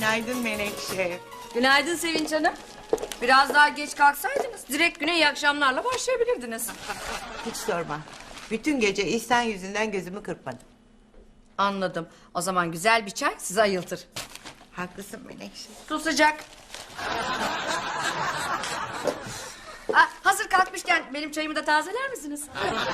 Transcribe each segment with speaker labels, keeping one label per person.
Speaker 1: Günaydın Menekşe.
Speaker 2: Günaydın Sevinç Hanım. Biraz daha geç kalksaydınız direkt güne iyi akşamlarla başlayabilirdiniz.
Speaker 1: Hiç sorma. Bütün gece İhsan yüzünden gözümü kırpmadım.
Speaker 2: Anladım. O zaman güzel bir çay sizi ayıltır.
Speaker 1: Haklısın Menekşe.
Speaker 2: Su sıcak. Hazır kalkmışken benim çayımı da tazeler misiniz?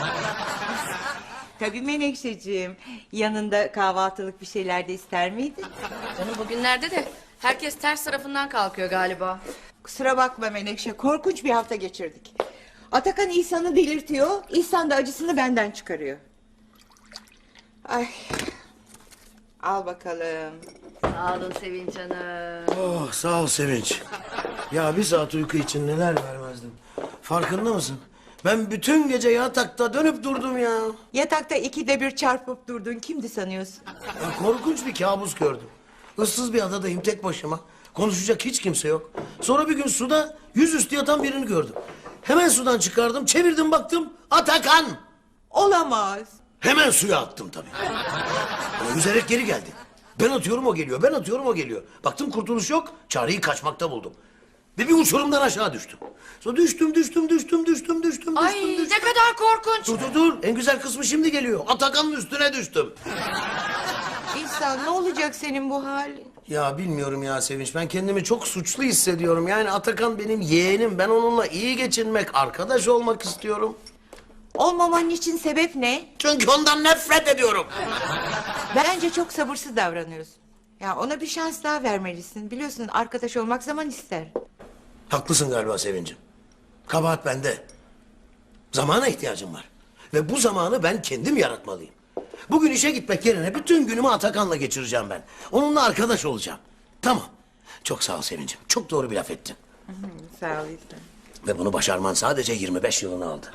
Speaker 1: Tabii Menekşeciğim. Yanında kahvaltılık bir şeyler de ister miydin?
Speaker 2: Canım bugünlerde de herkes ters tarafından kalkıyor galiba.
Speaker 1: Kusura bakma Menekşe. Korkunç bir hafta geçirdik. Atakan İhsan'ı delirtiyor. İhsan da acısını benden çıkarıyor. Ay. Al bakalım.
Speaker 2: Sağ olun Sevinç Hanım.
Speaker 3: Oh sağ ol Sevinç. Ya bir saat uyku için neler vermezdim. Farkında mısın? Ben bütün gece yatakta dönüp durdum ya.
Speaker 1: Yatakta ikide bir çarpıp durdun. Kimdi sanıyorsun?
Speaker 3: Ya korkunç bir kabus gördüm. Issız bir adadayım tek başıma. Konuşacak hiç kimse yok. Sonra bir gün suda yüzüstü yatan birini gördüm. Hemen sudan çıkardım, çevirdim baktım. Atakan!
Speaker 1: Olamaz.
Speaker 3: Hemen suya attım tabii. Ama yüzerek geri geldi. Ben atıyorum o geliyor, ben atıyorum o geliyor. Baktım kurtuluş yok, çareyi kaçmakta buldum. Ve bir uçurumdan aşağı düştüm. Sonra düştüm.
Speaker 2: Ay ne kadar korkunç.
Speaker 3: Dur. En güzel kısmı şimdi geliyor. Atakan'ın üstüne düştüm.
Speaker 1: İhsan ne olacak senin bu halin?
Speaker 3: Ya bilmiyorum ya Sevinç. Ben kendimi çok suçlu hissediyorum. Yani Atakan benim yeğenim. Ben onunla iyi geçinmek, arkadaş olmak istiyorum.
Speaker 1: Olmaman için sebep ne?
Speaker 3: Çünkü ondan nefret ediyorum.
Speaker 1: Bence çok sabırsız davranıyorsun. Ya ona bir şans daha vermelisin. Biliyorsun arkadaş olmak zaman ister.
Speaker 3: Haklısın galiba Sevincim. Kabahat bende. Zamana ihtiyacım var. Ve bu zamanı ben kendim yaratmalıyım. Bugün işe gitmek yerine bütün günümü Atakan'la geçireceğim ben. Onunla arkadaş olacağım. Tamam. Çok sağ ol Sevincim. Çok doğru bir laf ettin.
Speaker 1: Sağ ol İhsan.
Speaker 3: Ve bunu başarman sadece 25 yılını aldı.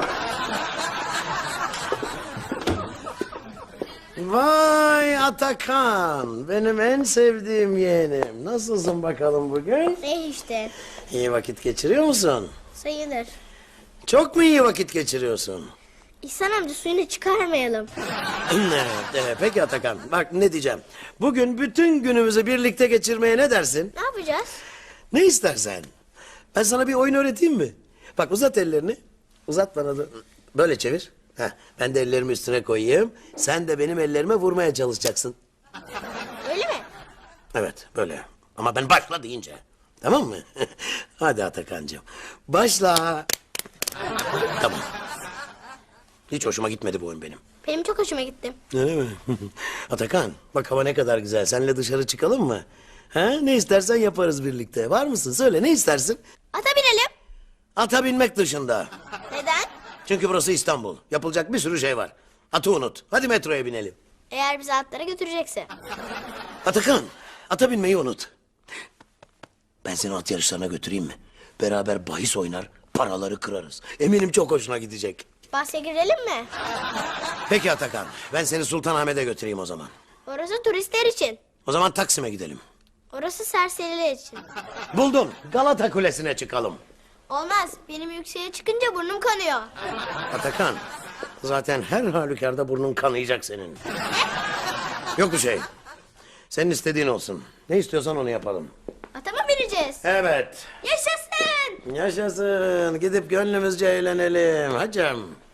Speaker 3: Vay Atakan. Benim en sevdiğim yeğenim. Nasılsın bakalım bugün?
Speaker 4: Ne işte?
Speaker 3: İyi vakit geçiriyor musun?
Speaker 4: Sayılır.
Speaker 3: Çok mu iyi vakit geçiriyorsun?
Speaker 4: İhsan amca suyunu çıkarmayalım.
Speaker 3: Evet, peki Atakan. Bak ne diyeceğim. Bugün bütün günümüzü birlikte geçirmeye ne dersin?
Speaker 4: Ne yapacağız?
Speaker 3: Ne istersen. Ben sana bir oyun öğreteyim mi? Bak uzat ellerini. Uzat bana da. Böyle çevir. Heh, ben de ellerimi üstüne koyayım. Sen de benim ellerime vurmaya çalışacaksın.
Speaker 4: Öyle mi?
Speaker 3: Evet böyle. Ama ben başla deyince. Tamam mı? Hadi Atakan'cığım. Başla. Tamam. Hiç hoşuma gitmedi bu oyun benim.
Speaker 4: Benim çok hoşuma gitti.
Speaker 3: Öyle mi? Atakan bak hava ne kadar güzel. Seninle dışarı çıkalım mı? Ha? Ne istersen yaparız birlikte. Var mısın? Söyle ne istersin?
Speaker 4: Ata binelim.
Speaker 3: Ata binmek dışında.
Speaker 4: Neden?
Speaker 3: Çünkü burası İstanbul. Yapılacak bir sürü şey var. Atı unut. Hadi metroya binelim.
Speaker 4: Eğer bizi atlara götürecekse.
Speaker 3: Atakan, ata binmeyi unut. Ben seni at yarışlarına götüreyim mi? Beraber bahis oynar, paraları kırarız. Eminim çok hoşuna gidecek.
Speaker 4: Bahse girelim mi?
Speaker 3: Peki Atakan, ben seni Sultanahmet'e götüreyim o zaman.
Speaker 4: Orası turistler için.
Speaker 3: O zaman Taksim'e gidelim.
Speaker 4: Orası serseriler için.
Speaker 3: Buldum, Galata Kulesi'ne çıkalım.
Speaker 4: Olmaz. Benim yükseğe çıkınca burnum kanıyor.
Speaker 3: Atakan, zaten her halükarda burnun kanayacak senin. Yok bir şey. Senin istediğin olsun. Ne istiyorsan onu yapalım.
Speaker 4: Ata mı bineceğiz?
Speaker 3: Evet.
Speaker 4: Yaşasın.
Speaker 3: Yaşasın. Gidip gönlümüzce eğlenelim hacım.